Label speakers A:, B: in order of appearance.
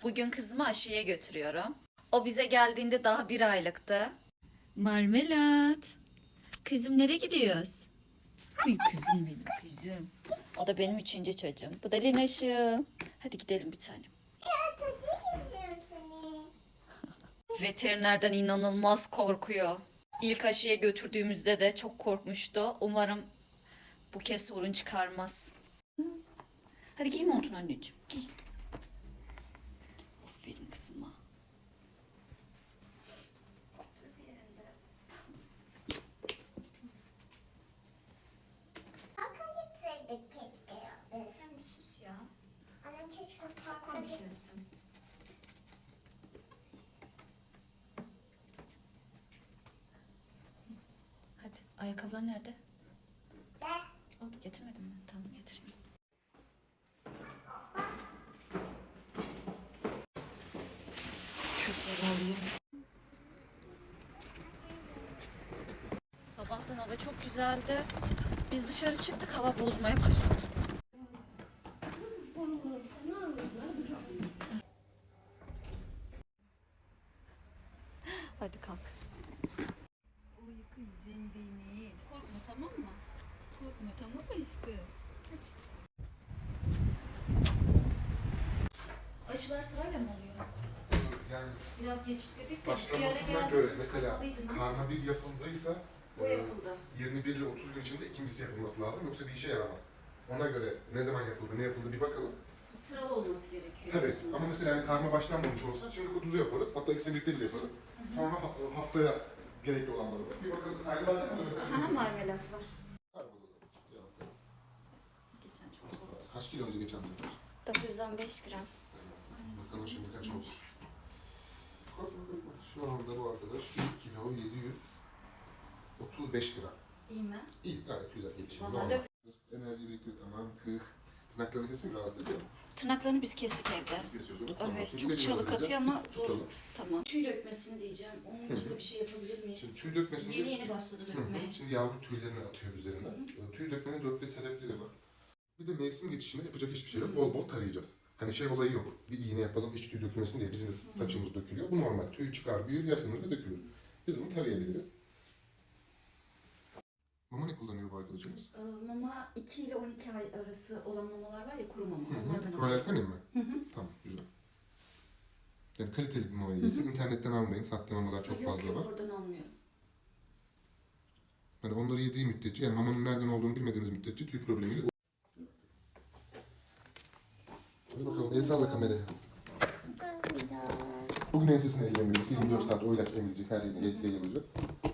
A: Bugün kızımı aşıya götürüyorum. O bize geldiğinde daha 1 aylıktı. Marmelat. Kızım nereye gidiyoruz? Ay kızım benim kızım. O da benim 3. çocuğum. Bu da Linaş'ım. Hadi gidelim bir tanem.
B: Ya taşı getiriyorum seni.
A: Veterinerden inanılmaz korkuyor. İlk aşıya götürdüğümüzde de çok korkmuştu. Umarım bu kez sorun çıkarmaz. Hadi giy montunu anneciğim. Giy. Aferin kızıma. Otur bir yerinde.
B: Parka gitseydik keşke ya.
A: Sen bir sus ya.
B: Annem keşke
A: Çok
B: parka
A: konuşuyorsun. Hadi ayakkabılar nerede?
B: de.
A: O da getirmedin mi? Tamam getireyim. Çöpleri alayım. Sabahtan hava çok güzeldi. Biz dışarı çıktık, hava bozmaya başladı. Hadi kalk. Uy kızım benim. Korkma tamam mı? Korkma tamam mı aşkım? Hadi. Aşılar sırayla mı oluyor?
C: Yani
A: Biraz geciktirdik de.
C: başlamasına göre mesela karma bir yapıldıysa
A: Bu yapıldı.
C: 21 ile 30 gün içinde ikincisi yapılması lazım yoksa bir işe yaramaz. Ona göre ne zaman yapıldı, ne yapıldı bir bakalım.
A: Sıralı olması gerekiyor.
C: Tabii
A: diyorsunuz.
C: ama mesela yani karma başlanmamış olsa şimdi kutuzu yaparız. Hatta ikisini birlikte bile yaparız. Sonra haftaya gerekli olanları var. Bir bakalım. Ayrı alacak mı mesela?
A: Aha, marmelat var.
C: Karma da olur. Ya bakalım.
A: Geçen çok oldu.
C: Kaç kilo önce geçen sefer?
B: 915 gram.
C: Bakalım şimdi kaç olacak. Şu anda bu arkadaş 1 kilo 735 gram.
A: İyi mi?
C: İyi, gayet güzel gelişim.
A: Vallahi
C: Normal. Enerji biriktiriyor, tamam. Tırnaklarını kesin, rahatsız ediyor mu?
A: Tırnaklarını biz kestik evde.
C: Siz kesiyorsunuz.
A: Evet,
C: Şimdi
A: çok
C: dediğiniz
A: çalık
C: üzere
A: atıyor ama zor.
C: tutalım.
A: Tamam. Tüy dökmesini diyeceğim. Onun için de bir şey yapabilir miyiz?
C: Şimdi tüy dökmesinde...
A: Yeni başladı dökmeye.
C: Şimdi yavru tüylerini atıyor üzerinden. Tüy dökmenin 4-5 sebepleri var. Bir de mevsim geçişinde yapacak hiçbir şey yok. Bol bol tarayacağız. Hani şey olayı yok. Bir iğne yapalım, hiç tüy dökülmesin diye bizim de saçımız dökülüyor. Bu normal. Tüy çıkar, büyür, yaşlanır ve dökülür. Biz bunu tarayabiliriz. Mama ne kullanıyor bu arkadaşımız?
A: Mama 2 ile 12 ay arası olan mamalar var ya, kuru mama. Onlardan
C: Royal Canin mi? Tamam, güzel. Yani kaliteli bir mamayı yesin. İnternetten almayın. Sahte mamalar çok fazla var.
A: Yok, oradan almıyorum.
C: Yani onları yediği müddetçe, yani mamanın nereden olduğunu bilmediğimiz müddetçe tüy problemi yok. Hadi bakalım, el salla kameraya. Bugün ensesini ellemiyoruz. 24 saat o ilaç emilecek, her yerine yayılacak.